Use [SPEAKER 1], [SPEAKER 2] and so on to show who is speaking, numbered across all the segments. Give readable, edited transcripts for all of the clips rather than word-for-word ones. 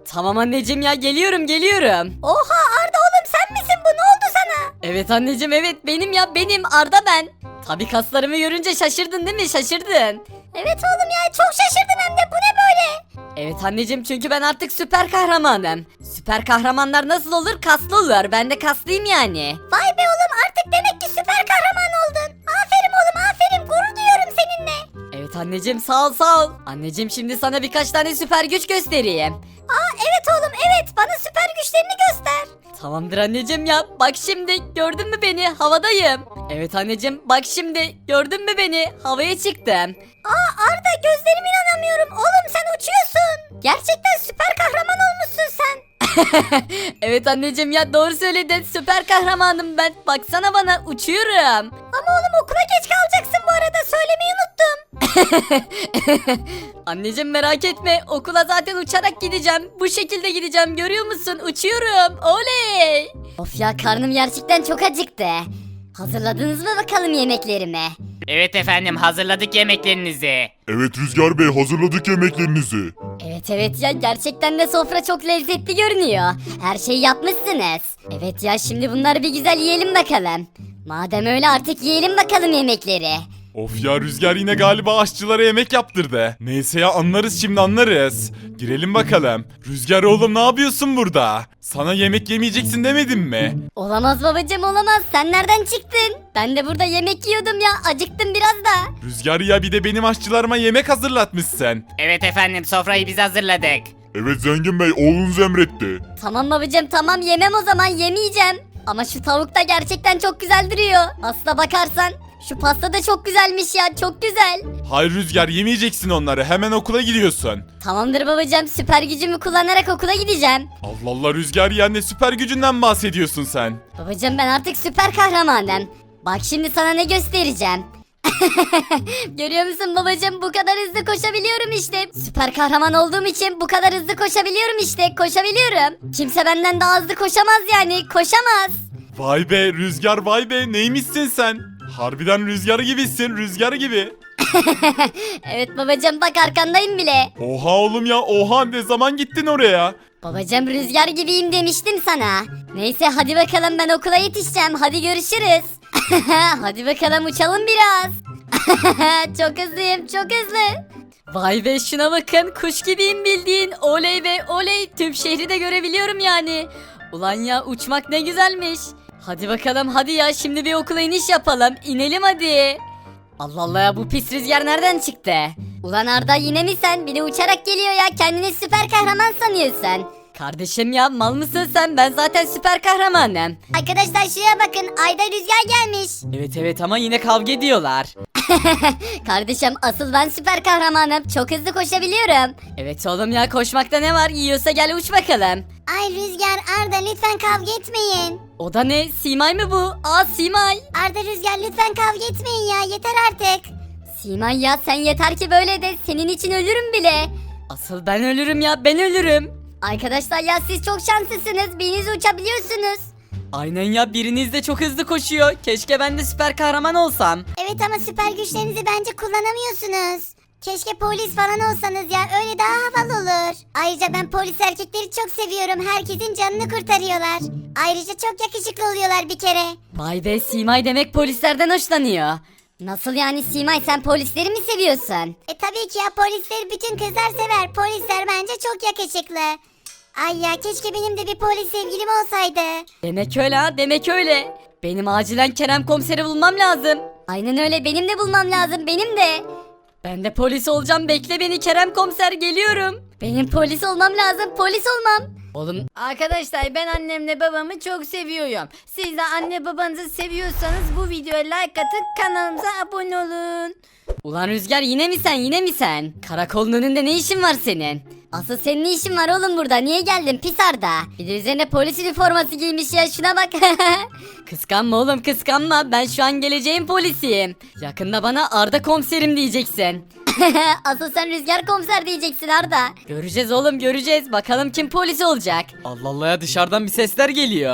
[SPEAKER 1] Tamam anneciğim ya, geliyorum.
[SPEAKER 2] Oha Arda oğlum sen misin bu, ne oldu sana?
[SPEAKER 1] Evet anneciğim, evet benim ya, benim Arda ben. Tabii kaslarımı görünce şaşırdın değil mi? Şaşırdın.
[SPEAKER 2] Evet oğlum ya, çok şaşırdım hem de, bu ne böyle?
[SPEAKER 1] Evet anneciğim, çünkü ben artık süper kahramanım. Süper kahramanlar nasıl olur? Kaslı olur. Ben de kaslıyım yani.
[SPEAKER 2] Vay be oğlum, artık demek ki süper kahraman oldun. Aferin oğlum aferin, gurur duyuyorum seninle.
[SPEAKER 1] Evet anneciğim, sağ ol. Anneciğim, şimdi sana birkaç tane süper güç göstereyim.
[SPEAKER 2] Aa evet oğlum evet, bana süper güçlerini göster.
[SPEAKER 1] Tamamdır anneciğim ya. Bak şimdi, gördün mü beni? Havadayım. Evet anneciğim, bak şimdi, gördün mü beni? Havaya çıktım.
[SPEAKER 2] Aa Arda, gözlerime inanamıyorum oğlum, sen uçuyorsun. Gerçekten süper kahraman olmuşsun sen.
[SPEAKER 1] Evet anneciğim ya, doğru söyledin. Süper kahramanım ben. Baksana bana, uçuyorum.
[SPEAKER 2] Ama oğlum okula geç kalacaksın bu arada, söylemeyi unuttum.
[SPEAKER 1] Anneciğim merak etme, okula zaten uçarak gideceğim. Bu şekilde gideceğim, görüyor musun? Uçuyorum. Oley.
[SPEAKER 2] Of ya, karnım gerçekten çok acıktı. Hazırladınız mı bakalım yemeklerimi?
[SPEAKER 3] Evet efendim, hazırladık yemeklerinizi.
[SPEAKER 4] Evet Rüzgar Bey, hazırladık yemeklerinizi.
[SPEAKER 2] Evet ya, gerçekten de sofra çok lezzetli görünüyor. Her şeyi yapmışsınız. Evet ya, şimdi bunları bir güzel yiyelim bakalım. Madem öyle, artık yiyelim bakalım yemekleri.
[SPEAKER 4] Of ya, Rüzgar yine galiba aşçılara yemek yaptırdı. Neyse ya, anlarız şimdi, anlarız. Girelim bakalım. Rüzgar oğlum, ne yapıyorsun burada? Sana yemek yemeyeceksin demedim mi?
[SPEAKER 2] Olamaz babacım, olamaz. Sen nereden çıktın? Ben de burada yemek yiyordum ya. Acıktım biraz da.
[SPEAKER 4] Rüzgar ya, bir de benim aşçılarıma yemek hazırlatmışsın.
[SPEAKER 3] Evet efendim, sofrayı biz hazırladık.
[SPEAKER 4] Evet Zengin Bey, oğlunuz emretti.
[SPEAKER 2] Tamam babacım, tamam, yemem o zaman, yemeyeceğim. Ama şu tavuk da gerçekten çok güzel duruyor. Aslına bakarsan şu pasta da çok güzelmiş ya, çok güzel.
[SPEAKER 4] Hayır Rüzgar, yemeyeceksin onları, hemen okula gidiyorsun.
[SPEAKER 2] Tamamdır babacım, süper gücümü kullanarak okula gideceğim.
[SPEAKER 4] Allah Allah Rüzgar ya, ne süper gücünden bahsediyorsun sen?
[SPEAKER 2] Babacım, ben artık süper kahramanım. Bak şimdi sana ne göstereceğim. Görüyor musun babacım, bu kadar hızlı koşabiliyorum işte. Süper kahraman olduğum için bu kadar hızlı koşabiliyorum işte, koşabiliyorum. Kimse benden daha hızlı koşamaz yani, koşamaz.
[SPEAKER 4] Vay be Rüzgar, vay be, neymişsin sen? Harbiden Rüzgar gibisin, Rüzgar gibi.
[SPEAKER 2] Evet babacım, bak arkandayım bile.
[SPEAKER 4] Oha oğlum ya, oha, ne zaman gittin oraya?
[SPEAKER 2] Babacım, rüzgar gibiyim demiştim sana. Neyse hadi bakalım, ben okula yetişeceğim, hadi görüşürüz. Hadi bakalım, uçalım biraz. Çok hızlıyım, çok hızlı.
[SPEAKER 1] Vay be, şuna bakın, kuş gibiyim bildiğin. Oley be oley, tüm şehri de görebiliyorum yani. Ulan ya, uçmak ne güzelmiş. Hadi bakalım, hadi ya, şimdi bir okula iniş yapalım. İnelim hadi. Allah Allah ya, bu pis rüzgar nereden çıktı?
[SPEAKER 2] Ulan Arda, yine mi sen? Bir de uçarak geliyor ya, kendini süper kahraman sanıyorsun.
[SPEAKER 1] Kardeşim ya, mal mısın sen? Ben zaten süper kahramanım.
[SPEAKER 2] Arkadaşlar şuraya bakın, ayda rüzgar gelmiş.
[SPEAKER 1] Evet ama yine kavga ediyorlar.
[SPEAKER 2] Kardeşim, asıl ben süper kahramanım, çok hızlı koşabiliyorum.
[SPEAKER 1] Evet oğlum ya, koşmakta ne var? Yiyorsa gel uç bakalım.
[SPEAKER 2] Ay Rüzgar, Arda lütfen kavga etmeyin.
[SPEAKER 1] O da ne? Simay mı bu? Aa, Simay.
[SPEAKER 2] Arda, Rüzgar lütfen kavga etmeyin ya, yeter artık. Simay ya, sen yeter ki böyle de, senin için ölürüm bile.
[SPEAKER 1] Asıl ben ölürüm ya, ben ölürüm.
[SPEAKER 2] Arkadaşlar ya, siz çok şanslısınız, biriniz uçabiliyorsunuz.
[SPEAKER 1] Aynen ya, biriniz de çok hızlı koşuyor. Keşke ben de süper kahraman olsam.
[SPEAKER 2] Evet ama süper güçlerinizi bence kullanamıyorsunuz. Keşke polis falan olsanız ya, öyle daha havalı olur. Ayrıca ben polis erkekleri çok seviyorum, herkesin canını kurtarıyorlar. Ayrıca çok yakışıklı oluyorlar bir kere.
[SPEAKER 1] Vay be, Simay demek polislerden hoşlanıyor.
[SPEAKER 2] Nasıl yani Simay, sen polisleri mi seviyorsun? Tabii ki ya, polisleri bütün kızlar sever. Polisler bence çok yakışıklı. Ay ya, keşke benim de bir polis sevgilim olsaydı.
[SPEAKER 1] Demek öyle ha, demek öyle. Benim acilen Kerem komiseri bulmam lazım.
[SPEAKER 2] Aynen öyle, benim de bulmam lazım, benim de.
[SPEAKER 1] Ben de polis olacağım, bekle beni Kerem komiser, geliyorum.
[SPEAKER 2] Benim polis olmam lazım, polis olmam.
[SPEAKER 1] Oğlum,
[SPEAKER 5] Arkadaşlar, ben annemle babamı çok seviyorum. Siz de anne babanızı seviyorsanız bu videoya like atın, kanalımıza abone olun.
[SPEAKER 1] ulan Rüzgar, yine mi sen? Karakolun önünde ne işin var senin?
[SPEAKER 2] Asıl senin ne işin var oğlum burada, niye geldin pis Arda? Bir de üzerine polis üniforması giymiş ya, şuna bak.
[SPEAKER 1] Kıskanma oğlum, kıskanma, ben şu an geleceğin polisiyim. Yakında bana Arda komiserim diyeceksin.
[SPEAKER 2] Asıl sen Rüzgar komiser diyeceksin Arda.
[SPEAKER 1] Göreceğiz oğlum, göreceğiz, bakalım kim polis olacak. Allah Allah ya, dışarıdan bir sesler geliyor.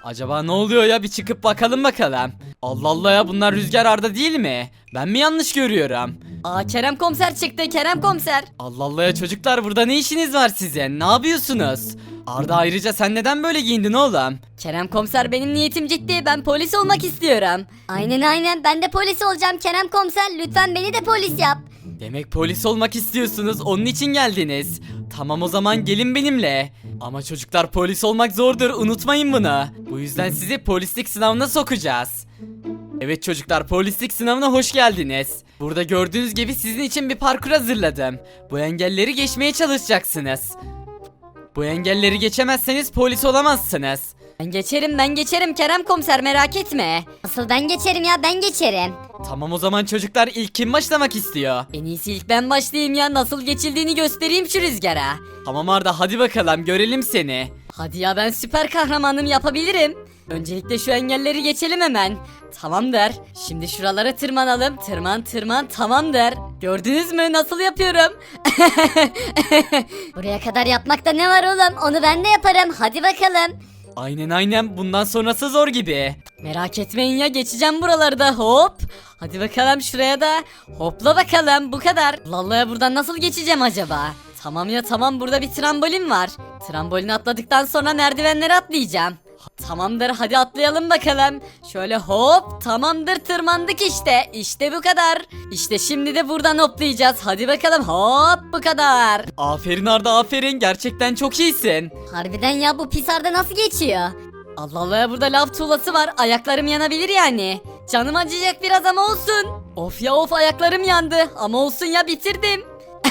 [SPEAKER 6] Acaba ne oluyor ya, bir çıkıp bakalım bakalım. Allah Allah ya, bunlar Rüzgar Arda değil mi? Ben mi yanlış görüyorum?
[SPEAKER 1] Aa Kerem komiser çıktı, Kerem komiser.
[SPEAKER 6] Allah Allah ya çocuklar, burada ne işiniz var sizin? Ne yapıyorsunuz? Arda, ayrıca sen neden böyle giyindin oğlum?
[SPEAKER 1] Kerem komiser, benim niyetim ciddi, ben polis olmak istiyorum.
[SPEAKER 2] Aynen ben de polis olacağım Kerem komiser, lütfen beni de polis yap.
[SPEAKER 6] Demek polis olmak istiyorsunuz, onun için geldiniz. Tamam, o zaman gelin benimle. Ama çocuklar, polis olmak zordur, unutmayın bunu. Bu yüzden sizi polislik sınavına sokacağız. Evet çocuklar, polislik sınavına hoş geldiniz. Burada gördüğünüz gibi sizin için bir parkur hazırladım. Bu engelleri geçmeye çalışacaksınız. Bu engelleri geçemezseniz polis olamazsınız.
[SPEAKER 1] Ben geçerim Kerem komiser, merak etme.
[SPEAKER 2] Asıl ben geçerim ya, ben geçerim.
[SPEAKER 6] Tamam, o zaman çocuklar, ilk kim başlamak istiyor?
[SPEAKER 1] En iyisi ilk ben başlayayım ya, nasıl geçildiğini göstereyim şu Rüzgar'a.
[SPEAKER 6] Tamam Arda, hadi bakalım, görelim seni.
[SPEAKER 1] Hadi ya, ben süper kahramanım, yapabilirim. Öncelikle şu engelleri geçelim hemen. Tamamdır. Şimdi şuralara tırmanalım. Tırman tamamdır. Gördünüz mü nasıl yapıyorum?
[SPEAKER 2] Buraya kadar yapmakta ne var oğlum, onu ben de yaparım, hadi bakalım.
[SPEAKER 6] Aynen, bundan sonrası zor gibi.
[SPEAKER 1] Merak etmeyin ya, geçeceğim buralarda, hop. Hadi bakalım şuraya da. Hopla bakalım, bu kadar. Vallahi buradan nasıl geçeceğim acaba? Tamam ya tamam, burada bir trambolin var. Trambolini atladıktan sonra merdivenleri atlayacağım. Tamamdır, hadi atlayalım bakalım. Şöyle hop, tamamdır, tırmandık işte. İşte bu kadar. İşte şimdi de buradan hoplayacağız. Hadi bakalım, hop, bu kadar.
[SPEAKER 6] Aferin Arda, aferin, gerçekten çok iyisin.
[SPEAKER 2] Harbiden ya, bu pis Arda nasıl geçiyor?
[SPEAKER 1] Allah Allah ya, burada lav tuğlası var. Ayaklarım yanabilir yani. Canım acıyacak biraz ama olsun. Of ya of, ayaklarım yandı. Ama olsun ya, bitirdim.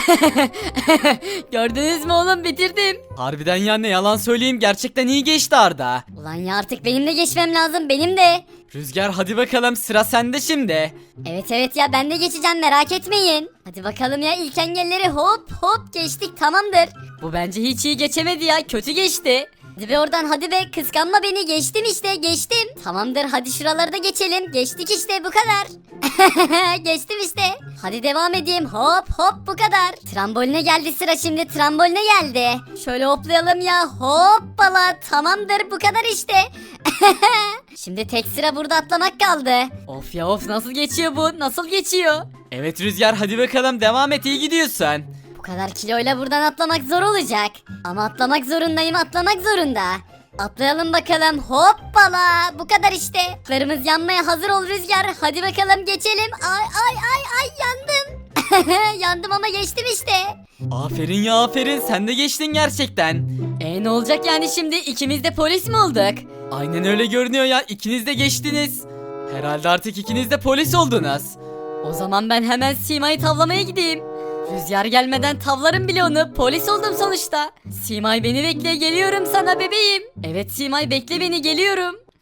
[SPEAKER 1] Gördünüz mü oğlum, bitirdim.
[SPEAKER 6] Harbiden ya, ne yalan söyleyeyim, gerçekten iyi geçti Arda.
[SPEAKER 2] Ulan ya, artık benim de geçmem lazım, benim de.
[SPEAKER 6] Rüzgar, hadi bakalım, sıra sende şimdi.
[SPEAKER 2] Evet ya, ben de geçeceğim, merak etmeyin. Hadi bakalım ya, ilk engelleri hop geçtik, tamamdır.
[SPEAKER 1] Bu bence hiç iyi geçemedi ya, kötü geçti.
[SPEAKER 2] Hadi be oradan, hadi be, kıskanma beni, geçtim işte, geçtim. Tamamdır, hadi şuraları da geçelim, geçtik işte, bu kadar. Geçtim işte. Hadi devam edeyim, hop bu kadar. Tramboline geldi sıra, şimdi tramboline geldi. Şöyle hoplayalım ya, hoppala, tamamdır, bu kadar işte. Şimdi tek sıra burada atlamak kaldı.
[SPEAKER 1] Of ya of, nasıl geçiyor bu, nasıl geçiyor?
[SPEAKER 6] Evet Rüzgar, hadi bakalım, devam et, iyi gidiyorsun.
[SPEAKER 2] Bu kadar kiloyla buradan atlamak zor olacak. Ama atlamak zorundayım, atlamak zorunda. Atlayalım bakalım, hoppala, bu kadar işte. Klarımız yanmaya hazır ol Rüzgar, hadi bakalım geçelim. Ay yandım. Yandım ama geçtim işte.
[SPEAKER 6] Aferin ya, aferin, sen de geçtin gerçekten.
[SPEAKER 1] Ne olacak yani şimdi, ikimiz de polis mi olduk?
[SPEAKER 6] Aynen öyle görünüyor ya, ikiniz de geçtiniz. Herhalde artık ikiniz de polis oldunuz.
[SPEAKER 1] O zaman ben hemen Sima'yı tavlamaya gideyim. Rüzgar gelmeden tavlarım bile onu. Polis oldum sonuçta. Simay beni bekle, geliyorum sana bebeğim. Evet Simay, bekle beni, geliyorum.